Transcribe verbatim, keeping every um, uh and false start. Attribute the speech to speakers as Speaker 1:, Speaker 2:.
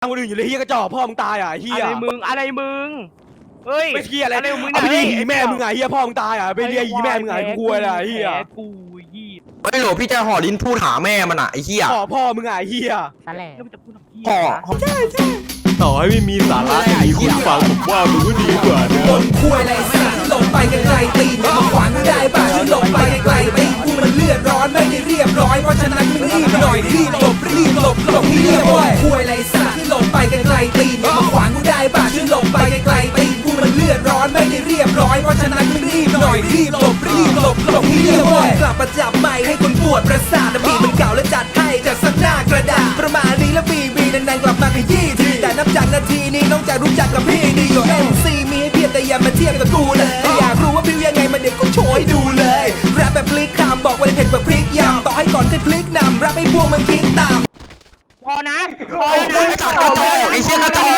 Speaker 1: คนอื่นอยู่เลยเฮียกระจอกพ่อมึงตายอ่ะเฮีย
Speaker 2: อะไรมึงอะไรมึงเฮ้ย
Speaker 1: ไม่เฮียอะไร
Speaker 2: อะไรมึง
Speaker 1: เอาไปเรียก
Speaker 2: ไหน
Speaker 1: อีแม่มึงไงเฮียพ่อมึงตายอ่ะไปเรียกอีแม่มึงไงกูอะไรเฮีย
Speaker 2: กูยี่
Speaker 3: เฮ้ยโหลพี่จะห่อลิ้นพูดหาแม่มันอ่ะไอ้เหี้ย
Speaker 1: ขอพ่อมึงไงเฮีย
Speaker 4: ตะแหล่
Speaker 2: แล้วมันจะพูดทำเหี้ย
Speaker 3: ห่อ
Speaker 1: ต่อให้ไม่มีสาระแต่มีคุณฟังผมว่ามันก็ดีกว่านะ
Speaker 5: คนคุยอะไรสัตว์หลบไปไกลๆตีนมาขวางกูได้ป่ะฉันหลบไปไกลๆตีนกูมันเลือดร้อนไม่ได้เรียบร้อยเพราะฉะนั้นมึงรีบหน่อยรีบหลบรีบหลบหลบให้เรียบร้อยคุยอะไรสัตว์หลบไปไกลๆตีนมาขวางกูได้ป่ะฉันหลบไปไกลๆตีนกูมันเลือดร้อนไม่ได้เรียบร้อยเพราะฉะนั้นมึงรีบหน่อยรีบหลบรีบหลบหลบให้เรียบร้อยกลับมาจับไม้ให้คนปวดประสาทนะบีมันเก่าและจัดให้จากสักหน้ากระดาษประมาณนี้แล้วบีบีนานๆกลับมาขยี้ทีแต่นับจากนาทีนี้น้องจะรู้จักกับพี่ดีกว่า เอ็ม ซี มีให้เพียงแต่อย่ามาเทียบกับกูเลยอยากรู้ว่าพิวยังไงมาเด็กก็โชว์ให้ดูเลยแรปแบบพลิกคำบอกว่าเผ็ดแบบพริกยำต่อให้ก่อนจะพลิกนำแรปให้พวกมันคิดตาม
Speaker 2: พอนะพอนะ
Speaker 3: กระจอกไอ้เชี่ยกระจอก